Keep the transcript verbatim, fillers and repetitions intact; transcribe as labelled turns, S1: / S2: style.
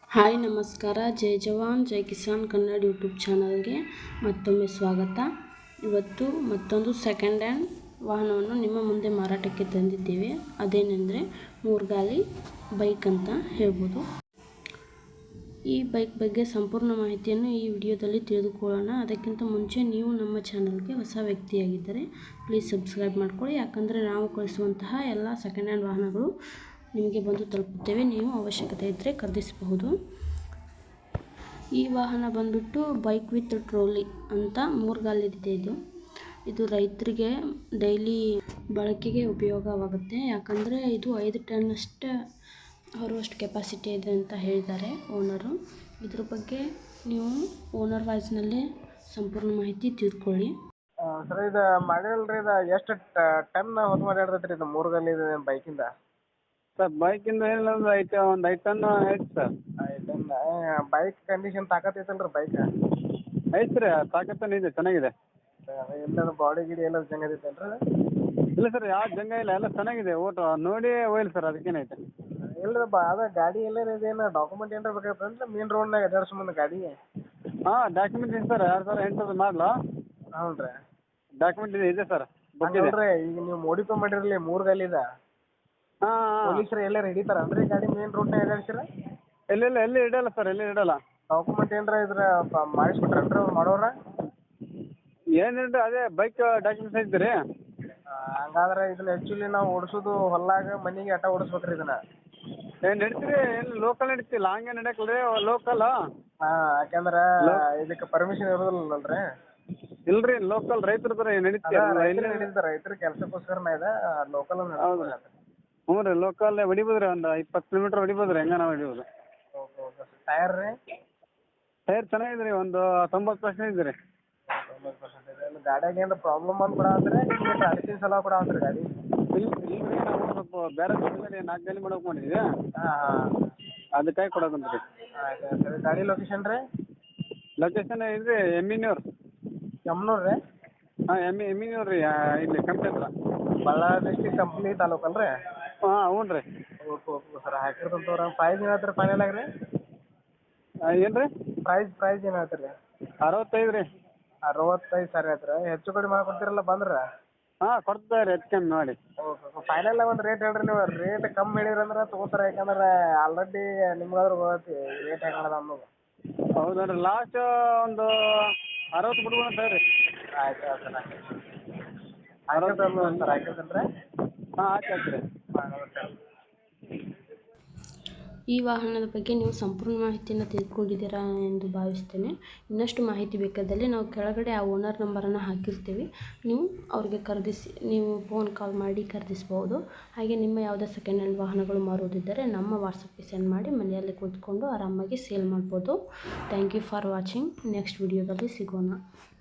S1: Hi ನಮಸ್ಕಾರ. ಜೈ ಜವಾನ್ ಜೈ ಕಿಸಾನ್ ಕನ್ನಡ ಯೂಟ್ಯೂಬ್ ಚಾನಲ್ಗೆ ಮತ್ತೊಮ್ಮೆ ಸ್ವಾಗತ. ಇವತ್ತು ಮತ್ತೊಂದು ಸೆಕೆಂಡ್ ಹ್ಯಾಂಡ್ ವಾಹನವನ್ನು ನಿಮ್ಮ ಮುಂದೆ ಮಾರಾಟಕ್ಕೆ ತಂದಿದ್ದೇವೆ. ಅದೇನೆಂದರೆ ಮೂರ್ಗಾಲಿ ಬೈಕ್ ಅಂತ ಹೇಳ್ಬೋದು. ಈ ಬೈಕ್ ಬಗ್ಗೆ ಸಂಪೂರ್ಣ ಮಾಹಿತಿಯನ್ನು ಈ ವಿಡಿಯೋದಲ್ಲಿ ತಿಳಿದುಕೊಳ್ಳೋಣ. ಅದಕ್ಕಿಂತ ಮುಂಚೆ ನೀವು ನಮ್ಮ ಚಾನಲ್ಗೆ ಹೊಸ ವ್ಯಕ್ತಿಯಾಗಿದ್ದರೆ ಪ್ಲೀಸ್ ಸಬ್ಸ್ಕ್ರೈಬ್ ಮಾಡ್ಕೊಳ್ಳಿ. ಯಾಕಂದರೆ ನಾವು ಕಳಿಸುವಂತಹ ಎಲ್ಲ ಸೆಕೆಂಡ್ ಹ್ಯಾಂಡ್ ವಾಹನಗಳು ನಿಮಗೆ ಬಂದು ತಲುಪುತ್ತೇವೆ. ನೀವು ಅವಶ್ಯಕತೆ ಇದ್ದರೆ ಖರೀದಿಸಬಹುದು. ಈ ವಾಹನ ಬಂದುಬಿಟ್ಟು ಬೈಕ್ ವಿತ್ ಟ್ರೋಲಿ ಅಂತ ಮೂರ್ಗಾಲಿದೆ. ಇದು ಇದು ರೈತರಿಗೆ ಡೈಲಿ ಬಳಕೆಗೆ ಉಪಯೋಗವಾಗುತ್ತೆ. ಯಾಕಂದರೆ ಇದು ಐದು ಟನ್ನಷ್ಟು ಹೊರುವಷ್ಟು ಕೆಪಾಸಿಟಿ ಇದೆ ಅಂತ ಹೇಳಿದ್ದಾರೆ ಓನರು. ಇದ್ರ ಬಗ್ಗೆ ನೀವು ಓನರ್ ವಾಯ್ಸ್ನಲ್ಲೇ ಸಂಪೂರ್ಣ ಮಾಹಿತಿ ತಿಳ್ಕೊಳ್ಳಿ.
S2: ಸರ್ ಇದು ಮಾಡಿರಲ್ರಿ, ಇದು ಎಷ್ಟು ಟನ್ ಹೊತ್ತು ಮಾಡಿರ್ತೈತೆ ರೀ ಇದು ಮೂರ್ಗಾಲಿ ಬೈಕಿಂದ?
S3: ಸರ್ ಬೈಕಿಂದ ಏನಿಲ್ಲ ಒಂದು ಐದು ಒಂದು ಐದು ಟನ್ ಐತೆ ಸರ್.
S2: ಐದು ಟನ್ ಬೈಕ್ ಕಂಡೀಷನ್ ತಾಕತ್ತೈತಲ್ಲ ರೀ ಬೈಕ್?
S3: ಐತೆ ರೀ, ತಾಕತ್ತೇನು ಇದೆ, ಚೆನ್ನಾಗಿದೆ.
S2: ಎಲ್ಲದು ಬಾಡಿ ಗಿಡಿ ಎಲ್ಲ ಚೆನ್ನಾಗೈತೇನು ರೀ?
S3: ಇಲ್ಲ ಸರ್, ಯಾವ ಜಂಗ ಇಲ್ಲ, ಎಲ್ಲ ಚೆನ್ನಾಗಿದೆ. ಓಟು ನೋಡಿ ಒಯ್ಲಿ ಸರ್, ಅದಕ್ಕೇನೈತೆ.
S2: ಇಲ್ಲ ಬಾ ಅದ ಗಾಡಿ ಎಲ್ಲ ಇದೇನು ಡಾಕ್ಯುಮೆಂಟ್ ಏನಾರ ಬೇಕಾಗ್ತದೆ ಮೇನ್ ರೋಡ್ನಾಗ ಅಡ್ಡಾಡ್ಸ್ಕೊಂಬಂದು ಗಾಡಿ?
S3: ಹಾಂ ಡಾಕ್ಯುಮೆಂಟ್ ಇದೆ ಸರ್, ಎರಡು ಸಾವಿರ ಎಂಟು ಮಾಡಲು.
S2: ಹ್ಞೂ ರೀ,
S3: ಡಾಕ್ಯುಮೆಂಟ್ ಇದೆ ಇದೆ ಸರ್.
S2: ನೋಡ್ರಿ ಈಗ ನೀವು ಮೋಡಿಫೈ ಮಾಡಿರಲಿ ಮೂರ್ಗಾಲಿದ
S3: ಹಾಂ
S2: ಪೊಲೀಸರು ಎಲ್ಲ ಹಿಡಿತಾರ ಅಂದ್ರೆ ಗಾಡಿ ಮೇನ್ ರೋಡ್ನಾಗ ಅಡ್ಡಾಡ್ಸಿರ?
S3: ಇಲ್ಲ ಇಲ್ಲ ಎಲ್ಲಿ ಇಡಲ್ಲ ಸರ್, ಎಲ್ಲಿ ಇಡಲ್ಲ.
S2: ಡಾಕ್ಯುಮೆಂಟ್ ಏನಾರ ಇದ್ರ ಮಾಡಿಸ್ಬಿಟ್ರನ್ರಿ ಮಾಡೋರ?
S3: ಏನಿಲ್ಲ, ಅದೇ ಬೈಕ್ ಡಾಕ್ಯುಮೆಂಟ್ಸ್ ಐತೆ ರೀ.
S2: ಹಂಗಾದ್ರೆ ಇದನ್ನ ಆ್ಯಕ್ಚುಲಿ ನಾವು ಓಡಿಸೋದು ಹೊಲ್ಲಾಗ ಮನೆಗೆ ಆಟ ಓಡಿಸ್ಬೇಕ್ರಿ ಇದನ್ನ?
S3: ಏನು ನಡೀತೀರಿ, ಏನು ಲೋಕಲ್ ನಡೀತಿ, ಲಾಂಗೇ ನಡೆಯಲ್ಲ ರೀ, ಲೋಕಲ್.
S2: ಹಾಂ, ಯಾಕಂದ್ರೆ ಇದಕ್ಕೆ ಪರ್ಮಿಷನ್ ಇರೋದಿಲ್ಲಲ್ರಿ?
S3: ಇಲ್ರಿ, ಲೋಕಲ್ ರೈತರ ಥರ ನಡೀತಿ.
S2: ನಡೀತಾರೆ ರೈತರ ಕೆಲಸಕ್ಕೋಸ್ಕರನ ಇದೆ, ಲೋಕಲ್
S3: ಹ್ಞೂ ರೀ, ಲೋಕಲ್ ಹೊಡಿಬೋದು ರೀ, ಒಂದು ಇಪ್ಪತ್ತು ಕಿಲೋಮೀಟ್ರ್ ಹೊಡಿಬೋದು ರೀ, ಹೆಂಗ ನಾವು ಹೊಡಿಬೋದು.
S2: ಓಕೆ ಓಕೆ ಟೈರ್ ರೀ?
S3: ಟೈರ್ ಚೆನ್ನಾಗಿದೆ ರೀ, ಒಂದು ತೊಂಬತ್ತು ಪರ್ಸೆಂಟ್ ಇದೆ ರೀ.
S2: ತೊಂಬತ್ತು ಪರ್ಸೆಂಟ್ ಇದೆ. ಗಾಡಿಯಾಗ ಏನು ಪ್ರಾಬ್ಲಮ್ ಅಂತ ಕೂಡ ಅಂದ್ರೆ ನಿಮ್ಗೆ ಅಡಿಸಿನ ಸಲ ಕೂಡ ಅಂದ್ರೆ ಗಾಡಿ?
S3: ಇಲ್ಲ ಇಲ್ಲ ರೀ, ನಾವು ಸ್ವಲ್ಪ ಬೇರೆ ಜಾಗದಲ್ಲಿ ನಾಲ್ಕು ಗಾಲಿ ಮಾಡೋಕೆ ಮಾಡಿದ್ವಿ.
S2: ಹಾಂ ಹಾಂ,
S3: ಅದಕ್ಕಾಗಿ ಕೊಡೋದಂತ ರೀ.
S2: ಆಯ್ತು ಸರಿ. ಗಾಡಿ ಲೊಕೇಶನ್ ರೀ?
S3: ಲೊಕೇಶನ್ ಇದು ರೀ ಎಮ್ಮಿನೂರು.
S2: ಯಮ್ನೂರು ರೀ?
S3: ಹಾಂ ಎಮ್ಮಿ ಎಮ್ಮಿನೂರು ರೀ, ಇಲ್ಲಿ ಕಂಪ್ನಿ ಹತ್ರ.
S2: ಬಳ್ಳಾರಿ ಡಿಸ್ಟಿಕ್ ಕಂಪ್ನಿ ತಾಲೂಕಲ್ಲ ರೀ?
S3: ಹಾಂ ಹ್ಞೂ ರೀ.
S2: ಓಕೆ ಓಕೆ ಸರ್, ಹಾಕಿರ್ತಂತ ತೋರ. ಪ್ರೈಸ್ ಏನು ಹೇಳ್ತೀರಿ ಫೈನಲ್ ಆಗಿ ರೀ?
S3: ಏನು ರೀ
S2: ಪ್ರೈಸ್ ಪ್ರೈಸ್ ಏನು ಹೇಳ್ತೀರಿ?
S3: ಅರವತ್ತೈದು ರೀ.
S2: ಅರವತ್ತೈದು ಸಾವಿರ ಹೇಳ್ತೀರಾ? ಹೆಚ್ಚು ಕಡಿಮೆ ಮಾಡ್ಕೊಡ್ತೀರಲ್ಲ ಬಂದ್ರೆ?
S3: ಹಾಂ ಕೊಡ್ತಾರೆ ರೀ, ಹೆಚ್ಚು ಕಮ್ಮಿ ಮಾಡಿ.
S2: ಓಕೆ, ಫೈನಲ್ ಒಂದು ರೇಟ್ ಹೇಳ್ರಿ. ನೀವು ರೇಟ್ ಕಮ್ಮಿ ಹೇಳಿರಂದ್ರೆ ತೊಗೋತಾರೆ, ಯಾಕಂದ್ರೆ ಆಲ್ರೆಡಿ ನಿಮ್ಗಾದ್ರೂ ಗೊತ್ತೈತಿ ರೇಟ್ ಹೆಂಗದ ಅನ್ನೋದು.
S3: ಹೌದಾ ರೀ, ಲಾಸ್ಟ್ ಒಂದು ಅರವತ್ತು ಬಿಡ್ಬೋದು ಅಂತ ಹೇಳ್ರಿ.
S2: ಆಯ್ತು ಆಯ್ತು ಸರ್, ಹಾಕಿರ್ತಲ್ಲ ಸರ್, ಹಾಕಿರ್ತೇನೆ ರೀ.
S3: ಹಾಂ ಆಯ್ತು ಆಯ್ತು ರೀ.
S1: ಈ ವಾಹನದ ಬಗ್ಗೆ ನೀವು ಸಂಪೂರ್ಣ ಮಾಹಿತಿಯನ್ನು ತಿಳ್ಕೊಂಡಿದ್ದೀರಾ ಎಂದು ಭಾವಿಸ್ತೇನೆ. ಇನ್ನಷ್ಟು ಮಾಹಿತಿ ಬೇಕಾದಲ್ಲಿ ನಾವು ಕೆಳಗಡೆ ಆ ಓನರ್ ನಂಬರನ್ನು ಹಾಕಿರ್ತೀವಿ. ನೀವು ಅವ್ರಿಗೆ ಖರೀದಿಸಿ ನೀವು ಫೋನ್ ಕಾಲ್ ಮಾಡಿ ಖರೀದಿಸ್ಬೋದು. ಹಾಗೆ ನಿಮ್ಮ ಯಾವುದೇ ಸೆಕೆಂಡ್ ಹ್ಯಾಂಡ್ ವಾಹನಗಳು ಮಾರುವುದಿದ್ದರೆ ನಮ್ಮ ವಾಟ್ಸಪ್ಗೆ ಸೆಂಡ್ ಮಾಡಿ ಮನೆಯಲ್ಲಿ ಕೂತ್ಕೊಂಡು ಆರಾಮಾಗಿ ಸೇಲ್ ಮಾಡ್ಬೋದು. Thank you for watching. Next ವಿಡಿಯೋದಲ್ಲಿ ಸಿಗೋಣ.